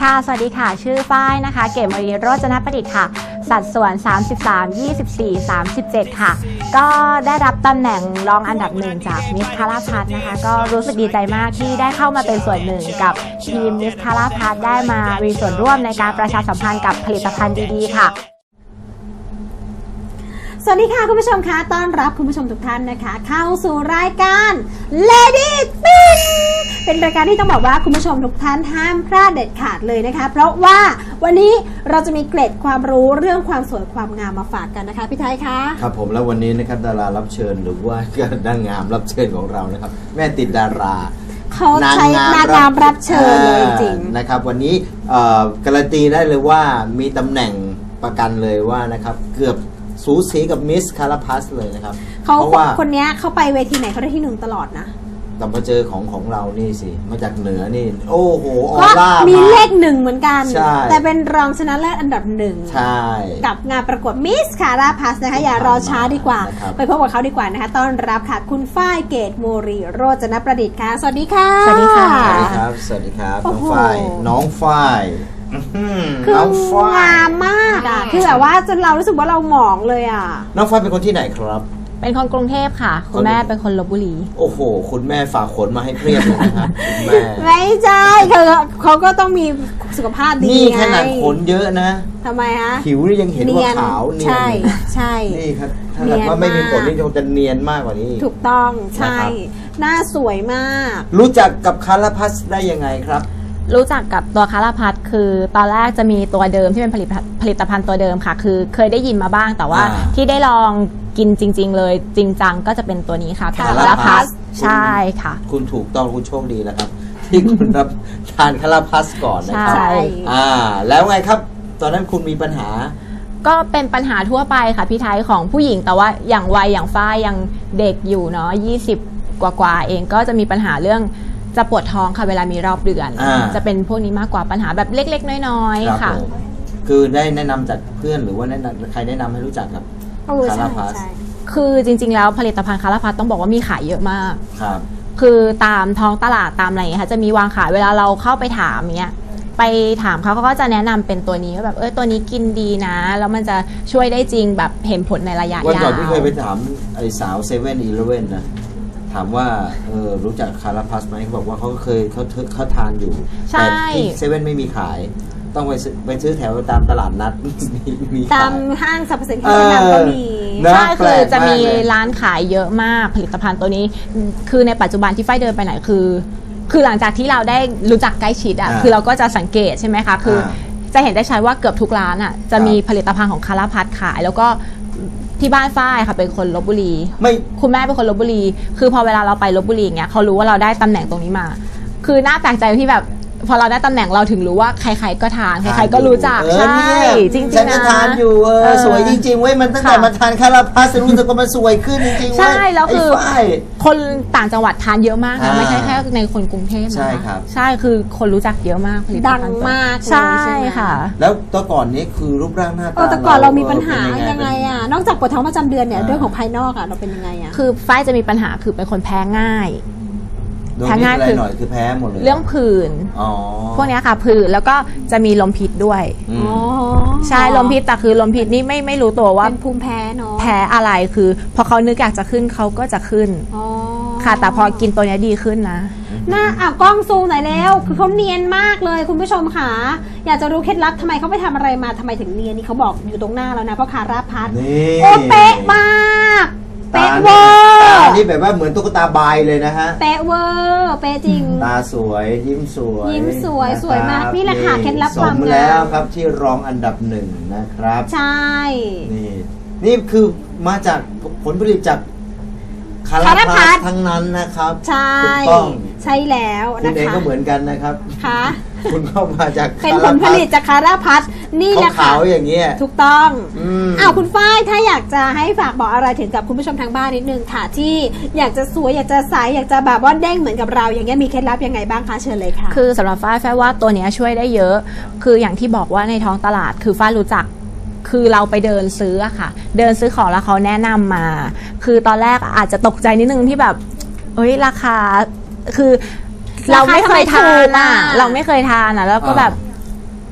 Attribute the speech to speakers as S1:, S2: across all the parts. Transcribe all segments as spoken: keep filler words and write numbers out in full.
S1: ค่ะสวัสดีค่ะชื่อฝ้ายนะคะเกมวรีโรจนประดิษฐ์ค่ะสัดส่วนสามสิบสาม ยี่สิบสี่ สามสิบเจ็ดค่ะก็ได้รับตำแหน่งรองอันดับหนึ่งจากมิสคาราพัทนะคะก็รู้สึกดีใจมากที่ได้เข้ามาเป็นส่วนหนึ่งกับทีมมิสคาราพัทได้มามีส่วนร่วมในการประชาสัมพันธ์กับผลิตภัณฑ์ดีๆค่ะ
S2: สวัสดีค่ะคุณผู้ชมคะต้อนรับคุณผู้ชมทุกท่านนะคะเข้าสู่รายการ Lady Spin เป็นรายการที่ต้องบอกว่าคุณผู้ชมทุกท่านห้ามพลาดเด็ดขาดเลยนะคะเพราะว่าวันนี้เราจะมีเกร็ดความรู้เรื่องความสวยความงามมาฝากกันนะคะพี่ไทยคะ
S3: ครับผมแล้ววันนี้นะครับดารารับเชิญหรือว่านางงามรับเชิญของเรานะครับแม่ติดดารา
S2: เขาใช้นางงามรับเชิญเลยจริง
S3: นะครับวันนี้การันตีได้เลยว่ามีตำแหน่งประกันเลยว่านะครับเกือบสูสีกับมิสคาราพัสเลยนะครับ
S2: เขาเพราะว่าคนนี้เขาไปเวทีไหนเขาได้ที่หนึ่งตลอดนะ
S3: แต่มาเจอของของเรานี่สิมาจากเหนือนี่โอ้โหออร่า
S2: มีเลขหนึ่งเหมือนกันแต่เป็นรองชนะเลิศอันดับหนึ่งกับงานประกวดมิสคาราพัสนะคะอย่ารอช้าดีกว่าไปพบกับเขาดีกว่านะคะต้อนรับค่ะคุณฝ้ายเกตโมรีโรจนประดิษฐ์ค่ะสวัสดีค่ะ
S1: สวัสดีค่ะ
S3: สวัสดีครับสวัสดีครับน้องฝ้ายน้องฝ้าย
S2: คืองามมากอ่ะคือแบบว่าจนเรารู้สึกว่าเราหมองเลยอ่ะ
S3: น้องฝ้ายเป็นคนที่ไหนครับ
S1: เป็นคนกรุงเทพค่ะคุณแม่เป็นคนลพบุรี
S3: โอ้โหคุณแม่ฝากขนมาให้เพียบเลยนะครับคุณแม่
S2: ไม่ใช่เขาเขาก็ต้องมีสุขภาพดี
S3: นี่ขนาดขนเยอะนะ
S2: ทำไมฮะ
S3: ผิวนี่ยังเห็นว่าขาวเนียน
S2: ใช่ใช่
S3: นี่ครับถ้าว่าไม่มีขนนี่จะเนียนมากกว่านี้
S2: ถูกต้องใช่หน้าสวยมาก
S3: รู้จักกับคาราพัสได้ยังไงครับ
S1: รู้จักกับตัวคาราพัทคือตอนแรกจะมีตัวเดิมที่เป็นผลิตผลิตภัณฑ์ตัวเดิมค่ะคือเคยได้ยินมาบ้างแต่ว่าที่ได้ลองกินจริงๆเลยจริงจังก็จะเป็นตัวนี้ค่ะคาราพัสใช่ค่ะ
S3: คุณถูกต้องคุณโชคดีแล้วครับที่คุณรับทานคาราพัสก่อนนะครับอ่าแล้วไงครับตอนนั้นคุณมีปัญหา
S1: ก็เป็นปัญหาทั่วไปค่ะพี่ไทยของผู้หญิงแต่ว่าอย่างวัยอย่างฝ้ายยังเด็กอยู่เนาะยี่สิบกว่าๆเองก็จะมีปัญหาเรื่องจะปวดท้องค่ะเวลามีรอบเดือนจะเป็นพวกนี้มากกว่าปัญหาแบบเล็กๆน้อยๆค่ะ
S3: คือได้แนะนำจากเพื่อนหรือว่าแนะนำใครแนะนำให้รู้จักกับคาราพัส
S1: คือจริงๆแล้วผลิตภัณฑ์คาราพัสต้องบอกว่ามีขายเยอะมาก
S3: ครับ
S1: คือตามท้องตลาดตามอะไรอย่างเงี้ยค่ะจะมีวางขายเวลาเราเข้าไปถามเงี้ยไปถามเขาเขาก็จะแนะนำเป็นตัวนี้ว่าแบบเออตัวนี้กินดีนะแล้วมันจะช่วยได้จริงแบบเห็นผลในระยะยาว
S3: วันก่อนพี่เคยไปถามไอ้สาวเซเว่นอีเลฟเว่นนะถามว่าเออรู้จักคาราพัสไหมเขาบอกว่าเขาเคยเขาเขาทานอยู่แต่ที่เซเว่นไม่มีขายต้องไปไปซื้อแถวตามตลาดนัด
S2: มีตามห้างสรรพสินค้าชั้นนำก็มี
S1: ใช่คือจะมีร้านขายเยอะมากผลิตภัณฑ์ตัวนี้คือในปัจจุบันที่ฝ้ายเดินไปไหนคือคือหลังจากที่เราได้รู้จักใกล้ชิดอ่ะคือเราก็จะสังเกตใช่ไหมคะคือจะเห็นได้ชัดว่าเกือบทุกร้านอ่ะจะมีผลิตภัณฑ์ของคาราพัสขายแล้วก็ที่บ้านฝ้ายค่ะเป็นคนลพบุรีไม่คุณแม่เป็นคนลพบุรีคือพอเวลาเราไปลพบุรีอย่างเงี้ยเขารู้ว่าเราได้ตำแหน่งตรงนี้มาคือน่าแปลกใจที่แบบพอเราได้ตำแหน่งเราถึงรู้ว่าใครๆก็ทานใครๆก็รู้จักใช่จริงๆนะฉัน
S3: ก็ทานอยู่เออสวยจริงๆเว้ยมันตั้งแต่มาทานคาราพัสรู้สึกว่ามันสวยขึ้นจริงๆ
S1: ใช่แล้วคือคนต่างจังหวัดทานเยอะมากนะไม่ใช่แค่ในคนกรุงเทพนะ
S3: ใช่ครับ
S1: ใช่คือคนรู้จักเยอะมาก
S2: ดังมาก
S1: ใช่ค่ะ
S3: แล้วตอนก่อนนี้คือรูปร่างหน้าตา
S2: แต่ก่อนเรามีปัญหายังไงอ่ะนอกจากปวดท้องประจำเดือนเนี่ยเรื่องของภายนอกอ่ะเราเป็นยังไงอ่ะ
S1: คือฝ้ายจะมีปัญหาคือเป็นคนแพ้ง่าย
S3: แพ้ง่ายคือหน่อยคือแพ้หมดเลย
S1: เรื่องผื่นพวกนี้ค่ะผื่นแล้วก็จะมีลมพิษด้วยใช่ลมพิษแต่คือลมพิษนี่ไม่ไม่รู้ตัวว่า
S2: เป็นภูมิแพ้เนาะ
S1: แพ้อะไรคือพอเขานึกอยากจะขึ้นเขาก็จะขึ้นค่ะแต่พอกินตัวนี้ดีขึ้นนะ
S2: หน้าอ่ะกล้องซูมหน่อยแล้วคือเขาเนียนมากเลยคุณผู้ชมค่ะอยากจะรู้เคล็ดลับทำไมเขาไปทำอะไรมาทำไมถึงเนียนนี่เขาบอกอยู่ตรงหน้าแล้วนะเพราะคาราพัสโอ้เป๊ะมากเป๊ะเวอร์
S3: ตานี่แบบว่าเหมือนตุ๊กตาบายเลยนะฮะ
S2: เป๊ะเวอร์เป๊ะจริง
S3: ตาสวยยิ้มสวย
S2: ยิ้มสวยสวยมากนี่แหละค่ะเคล็ดลับความงาม
S3: สมแล้วครับที่รองอันดับหนึ่งนะครับ
S2: ใช่
S3: นี่นี่คือมาจากผลผลิตจากคาราพัสทั้งนั้นนะครับ
S2: ใช่ใช่แล้วนะคะ
S3: คุณเองก็เหมือนกันนะครับ
S2: ค่ะ
S3: คุณเข้ามาจาก
S2: เป็นผลผลิตจากคาราพัสนี่แหละค่ะ
S3: ขาวอย่างเงี้ย
S2: ถูกต้องอ้าวคุณฝ้ายถ้าอยากจะให้ฝากบอกอะไรถึงกับคุณผู้ชมทางบ้านนิดนึงค่ะที่อยากจะสวยอยากจะใสอยากจะแบบว่าเด้งเหมือนกับเราอย่างเงี้ยมีเคล็ดลับยังไงบ้างคะเชิญเลยค่ะ
S1: คือสำหรับฝ้ายฝ้ายว่าตัวนี้ช่วยได้เยอะคืออย่างที่บอกว่าในท้องตลาดคือฝ้ายรู้จักคือเราไปเดินซื้ออะค่ะเดินซื้อของแล้วเขาแนะนำมาคือตอนแรกอาจจะตกใจนิดนึงที่แบบเอ้ยราคาคือเราไม่เคยทานอ่ะเราไม่เคยทานอ่ะแล้วก็แบบ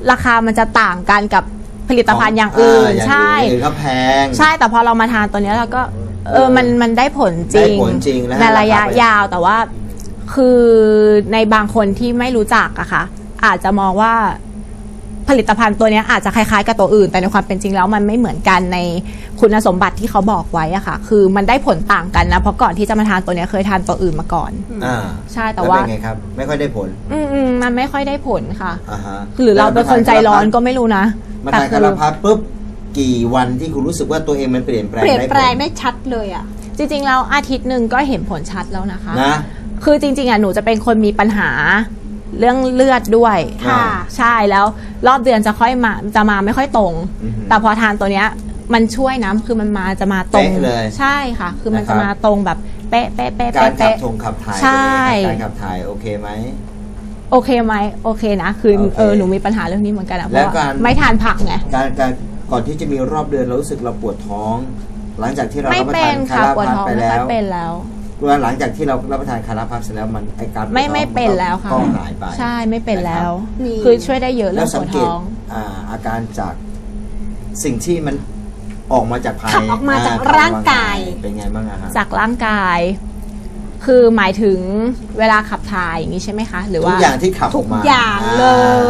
S1: ราคามันจะต่างกันกับผลิตภัณฑ์อย่างอื่น
S3: ย่าง
S1: ใช่
S3: อื่นก็แพง
S1: ใช่แต่พอเรามาทานตัวเนี้ยเราก็เออมันมันได้ผลจ
S3: ได้
S1: ริง
S3: ผลจริงนะ
S1: ในระยะ
S3: ราคา
S1: ยาวแต่ว่าคือในบางคนที่ไม่รู้จักอะค่ะอาจจะมองว่าผลิตภัณฑ์ตัวเนี้ยอาจจะคล้ายๆกับตัวอื่น แต่ในความเป็นจริงแล้วมันไม่เหมือนกันในคุณสมบัติที่เขาบอกไว้อะค่ะ คือมันได้ผลต่างกันนะเพราะก่อนที่จะมาทานตัวเนี้ยเคยทานตัวอื่นมาก่อน
S3: อ่า
S1: ใช่แต่ว่า
S3: ล้เป็นไงครับ ไม่ค่อยได้ผล
S1: อืมอืมมันไม่ค่อยได้ผลค่ะ
S3: อ่าฮะ
S1: หรือเราเป็นคนใจร้อนก็ไม่รู้นะ
S3: มา
S1: แต่
S3: ทาน
S1: คื
S3: คา
S1: อ
S3: ราพัสปุ๊บกี่วันที่คุณรู้สึกว่าตัวเองมันเปลี่ยนแปลง
S2: เปลี่ยน
S3: ได้ผ
S2: แปลง
S3: ล
S2: ได้ชัดเลยอ่ะ
S1: จริงๆแล้วอาทิตย์หนึ่งก็เห็นผลชัดแล้วนะคะ
S3: นะ
S1: คือจริงๆอ่ะหนูจะเป็นคนมีปัญหาเรื่องเลือดด้วย
S2: ค่ะ
S1: ใช่แล้วรอบเดือนจะค่อยมาจะมาไม่ค่อยตรง
S3: อือหือ
S1: แต่พอทานตัวเนี้ยมันช่วยนะคือมันมาจะมาตรง
S3: เป๊ะเลย
S1: ใช่ค่ะ คือมัน
S3: นะครับ
S1: จะมาตรงแบบเป๊ะเป๊ะเป๊ะ
S3: การขับ
S1: เป๊ะ
S3: ทงขับถ่าย
S1: ใช่
S3: เป็นยังไงครับการขับถ่ายโอเคไหม
S1: โอเคไหมโอเคนะ คือ
S3: โอเค
S1: เออหนูมีปัญหาเรื่องนี้เหมือนกันอะเพ
S3: แล้ว
S1: ราะ
S3: กา
S1: ว่าร ไม่ทานผักไง
S3: การการก่อนที่จะมีรอบเดือนเรารู้สึกเราปวดท้อง หลังจากที่เรา
S1: ไม่
S3: รับประ
S1: เป็
S3: ทาน น
S1: ค่ะ
S3: คารา
S1: ปวด
S3: พัส
S1: ท้อง
S3: ไป
S1: ไม่
S3: แล้
S1: ค่อ
S3: วย
S1: เป็นแล้ว
S3: ว่าหลังจากที่เรารับประทานคาราพัสเสร็จแล้วมันไอการปวดท้อง
S1: ไม่ไม่เป็นแล้วค่ะ
S3: ก็หายไป
S1: ใช่ไม่เป็นแล้ว
S2: นี่
S1: คือช่วยได้เยอะ
S3: แล้
S1: เรื่อ
S3: ว
S1: งป
S3: สัง
S1: วด
S3: เกต
S1: ท้อง
S3: อ่าอาการจากสิ่งที่มันออกมาจากภาย
S2: ขับออกมาจาก
S3: ขับ
S2: ร่างกาย
S3: เป็นไงบ้างอะฮะ
S1: จากร่างกาย คือหมายถึงเวลาขับถ่ายอย่างนี้ใช่ไหมคะ หรือ
S3: ทุ
S1: ว่า
S3: กอย่างที่ขับออกมา
S2: อย่างเลย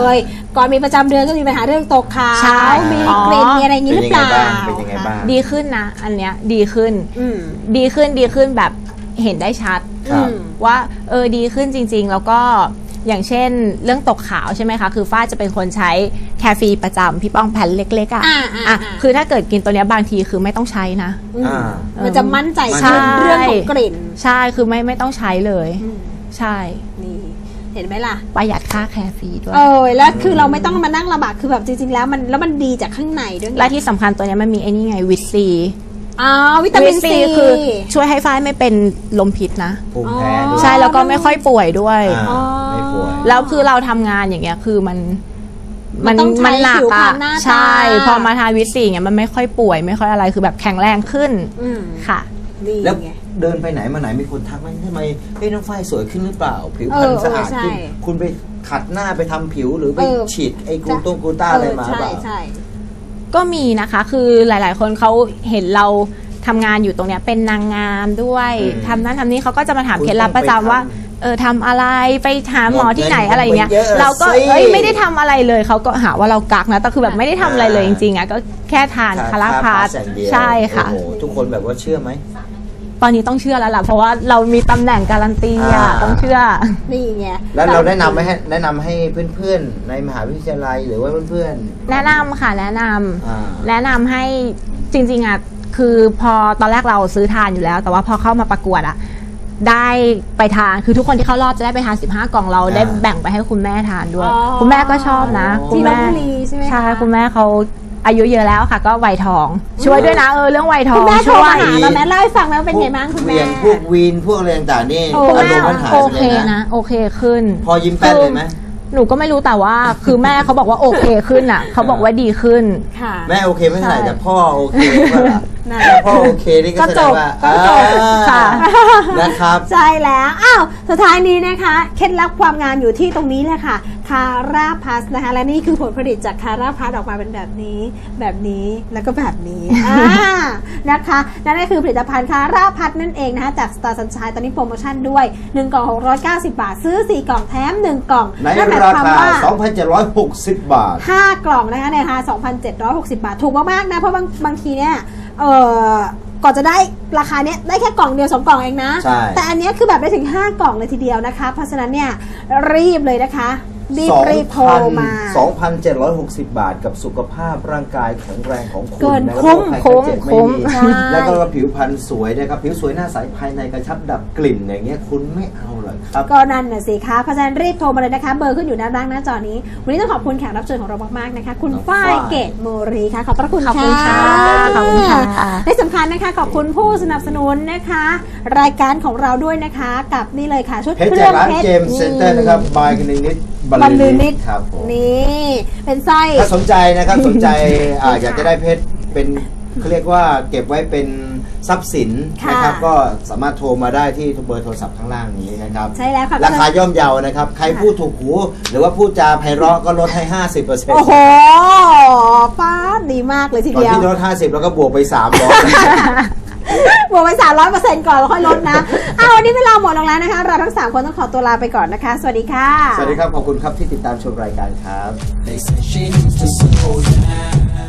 S2: ก่อนมีประจำเดือนก็มีปัญหาเรื่องตกขา
S1: ใช่
S2: วมีกลิ่น
S1: อ๋อ
S2: มีอะไรอย่างนี้หรือเปล่า
S3: เป็นยังไงบ้าง
S1: ดีขึ้นนะ อันเนี้ยดีขึ้น
S2: อืม
S1: ดีขึ้นดีขึ้นแบบเห็นได้ชัด
S3: ครับ
S2: อืม
S1: ว่าเออดีขึ้นจริง ๆ แล้วก็อย่างเช่นเรื่องตกขาวใช่ไหมคะ คือฝ้ายจะเป็นคนใช้แคฟีประจำพี่ป้องแผ่นเล็กๆอ่ะ
S2: อ่าอ่า
S1: อ่ะ
S2: อ่า
S1: คือถ้าเกิดกินตัวเนี้ยบางทีคือไม่ต้องใช้นะ
S2: อืม
S3: อ่า
S2: มันจะมั่นใจ
S1: ใช่
S2: ขึ้นเรื่องของกลิ่น
S1: ใช่คือไม่ไม่ต้องใช้เลย
S2: อืม
S1: ใช่
S2: นี่เห็นไหมล่ะ
S1: ประหยัดค่าแคฟีด้วย
S2: เออแล้วคือเราไม่ต้องมานั่งลำบากคือแบบจริงๆแล้วมันแล้วมันดีจากข้างในด้วยไง
S1: และที่สำคัญตัวเนี้ยมันมีไอ้นี่ไงวิตซี
S2: อ๋อวิตามินซี
S1: คือช่วยให้ฝ้ายไม่เป็นลมพิษนะ
S3: ภูมิแพ้ด้วย
S1: ใช่แล้วก็ไม่ค่อยป่วยด้วย
S3: อ่าไม่ป่วย
S1: แล้วคือเราทำงานอย่างเงี้ยคือมัน
S2: มันต้องใช้
S1: หนั
S2: ผิวพรร
S1: อะ
S2: ณหน้าตา
S1: ใช่พอมาทานวิตซีอย่างเงี้ยมันไม่ค่อยป่วย ไม่ค่อยอะไรคือแบบแข็งแรงขึ้น
S2: อืม
S1: ค่ะ
S2: ดี
S3: แล้ว
S2: ไง
S3: เดินไปไหนมาไหนมีคนทักไหมทำไมเฮ้ยน้องฝ้ายสวยขึ้นหรือเปล่า ผิวพรรณ
S2: เออ
S3: สะอาด
S2: ใช่
S3: ขึ้นคุณไปขัดหน้าไปทำผิวหรือไป
S2: เออ
S3: ฉีดไอ้กลูต้งกลูต้าอะไรมา
S2: เใช่
S3: เปล่า
S2: ใช่
S1: ก็มีนะคะ คือหลาย ๆ คนเขาเห็นเราทำงานอยู่ตรงเนี้ยเป็นนางงามด้วย
S3: อืม
S1: ทำนั้นทำนี้เขาก็จะมาถาม
S3: คุณ
S1: เคล็ดลับประจำ
S3: ต้องไป
S1: ว่า
S3: ทำ
S1: เออทำอะไรไปหาหมอที่ไหน
S3: หมดเงิน
S1: อะไรเงี้ย
S3: ไปเยอะ
S1: เราก็
S3: สิ
S1: เอ้ยไม่ได้ทำอะไรเลยเขาก็หาว่าเรากักนะแต่คือแบบไม่ได้ทำอะไรเลยจริงๆอ่ะก็แค่ทานคาราพาส
S3: อย่างเดียว
S1: ใช่ค่ะ
S3: โอ้โหทุกคนแบบว่าเชื่อไหม
S1: ตอนนี้ต้องเชื่อแล้วล่ะเพราะว่าเรามีตำแหน่งการันตีอ่ะ
S3: อ่า
S1: ต้องเชื่อ
S2: นี่ไง
S3: แล้วเราแนะนำไหมให้แนะนำให้เพื่อนๆ ในมหาวิทยาลัยหรือว่าเพื่อนๆ
S1: แนะนำค่ะแนะนำ
S3: อ่า
S1: แนะนำให้จริงๆอ่ะคือพอตอนแรกเราซื้อทานอยู่แล้ว แต่ว่าพอเข้ามาประกวดอ่ะได้ไปทานคือทุกคนที่เข้ารอบจะได้ไปทานสิบห้ากล่องเราได้แบ่งไปให้คุณแม่ทานด้วย
S2: อ๋อ
S1: คุณแม่ก็ชอบนะ
S3: อ๋อ
S1: คุณแม่
S2: ที่ลพบุรีใช่ไหมคะ
S1: ใช่คุณแม่เขาอายุเยอะแล้วค่ะ ก็วัยทองช่วยด้วยนะเออเรื่องวัยทอ
S2: คุ
S1: ง
S2: ณแม่โทร
S1: ช่ว
S2: มาย หาเราแม่เล่าให้ฟังแล้วเป็นไงบ้างคุณแม่
S3: พวกเหวี่ยงพวกวีนพวกอะไรต่างๆนี่
S2: โอ้
S1: คุณ
S3: อา
S1: แม่
S3: รมณ์มันหาย
S1: โอ
S3: ไป
S1: เค
S3: เลยนะ
S1: นะโอเคขึ้น
S3: พอยิ้มแป้นเลยไหม
S1: หนูก็ไม่รู้แต่ว่าคือแม่เขาบอกว่าโอเคขึ้นอ่ะเขาบอกว่าดีขึ้น
S2: ค่ะ
S3: แม่โอเคไม่เท่าไหร่
S1: ใช่
S3: แต่พ่อโอเคป่ะล่ะ
S2: นั่น
S3: ถ้าพ่อโอเคนี่ก็แสดงว่า
S1: ก็จบก็จบ
S3: อ่า
S1: ค่ะ
S3: นะครับ
S2: ใช่แล้ว อ้าว สุดท้ายนี้นะคะ เคล็ดลับความงามอยู่ที่ตรงนี้เลยค่ะ คาราพัสนะคะ และนี่คือผลผลิตจากคาราพัสออกมาเป็นแบบนี้ แบบนี้ แล้วก็แบบนี้ อ่า นะคะ นั่นก็คือผลิตภัณฑ์คาราพัสนั่นเองนะคะ จาก Star Sunshine ตอนนี้โปรโมชั่นด้วย หนึ่ง กล่อง หกร้อยเก้าสิบ บาท ซื้อ สี่ กล่องแถม หนึ่ง กล่อง
S3: ใน
S2: นั่นหมาย
S3: รา
S2: ความ
S3: คา
S2: ว่า
S3: สองพันเจ็ดร้อยหกสิบ บาท
S2: ห้ากล่องนะคะในราคา สองพันเจ็ดร้อยหกสิบ บาท ถูกมากๆนะ เพราะบางบางทีเนี่ยเออก่อนจะได้ราคาเนี้ยได้แค่กล่องเดียวสองกล่องเองนะ
S3: ใช่
S2: แต่อันเนี้ยคือแบบได้ถึงห้ากล่องเลยทีเดียวนะคะ เพราะฉะนั้นเนี่ยรีบเลยนะคะ รีบรีบโทรมา
S3: สองพันเจ็ดร้อยหกสิบ บาทกับสุขภาพร่างกายแข็งแรงของคุณ
S2: เกิน
S3: นะ
S2: คุ้ม
S3: แล้วก็
S1: คุ้ม
S3: ไข้เจ็บไม่
S1: คุ้ม
S3: มี
S2: ใช่
S3: แล้วก็ผิวพรรณสวยนะครับผิวสวยหน้าใสภายในกระชับดับกลิ่นอย่างเงี้ยคุณไม่เอาเหรอครับ
S2: ก็นั่นน่ะสิคะเพราะฉะนั้นรีบโทรมาเลยนะคะ เบอร์ขึ้นอยู่ด้านล่างหน้าจอนี้ วันนี้ต้องขอบคุณแขกรับเชิญของเรามากๆนะคะ คุณ
S3: น้อง
S2: ฝ้าย
S3: ฝ้าย
S2: เกตโมรีค่ะ ขอบพระคุณ
S1: ขอบคุณค่ะขอบคุณค่ะ
S2: และสำคัญนะคะ ขอบคุณผู้สนับสนุนนะคะ รายการของเราด้วยนะคะ กับนี่เลยค่ะ ชุด
S3: เพชร
S2: เค
S3: จา
S2: รื่
S3: ก
S2: อง
S3: ร้าน
S2: เพชร
S3: เจมส์เซ็นเตอร์นะครับบายคณินิด
S2: บรรลือนิด
S3: ครับผม
S2: นี่เป็นสร้อย
S3: ถ้าสนใจนะครับ สนใจอ่าอยากจะได้เพชรเป็นเขาเรียกว่าเก็บไว้เป็นทรัพย์สิน
S2: ค่ะ
S3: นะครับก็สามารถโทรมาได้ที่เบอร์โทรศัพท์ข้างล่างนี้นะครับ
S2: ใช่แล้วค่ะ
S3: ราคาย่อมเยานะครับใครพูดถูกหูหรือว่าพูดจาไพเราะก็ลดให้ ห้าสิบเปอร์เซ็นต์
S2: โอ้โหป้าดดีมากเลยที
S3: ก่อน
S2: เดียว
S3: ที่ลดห้าสิบแล้วก็บวกไปสามร้อย
S2: บวกไปสามร้อยเปอร์เซ็นต์ก่อนแล้วค่อยลดนะเอาวันนี้เวลาหมดลงแล้วนะคะ เราทั้งสามคนต้องขอตัวลาไปก่อนนะคะ สวัสดีค่ะ
S3: สวัสดีครับขอบคุณครับที่ติดตามชมรายการครับ
S4: They say she needs to slow down.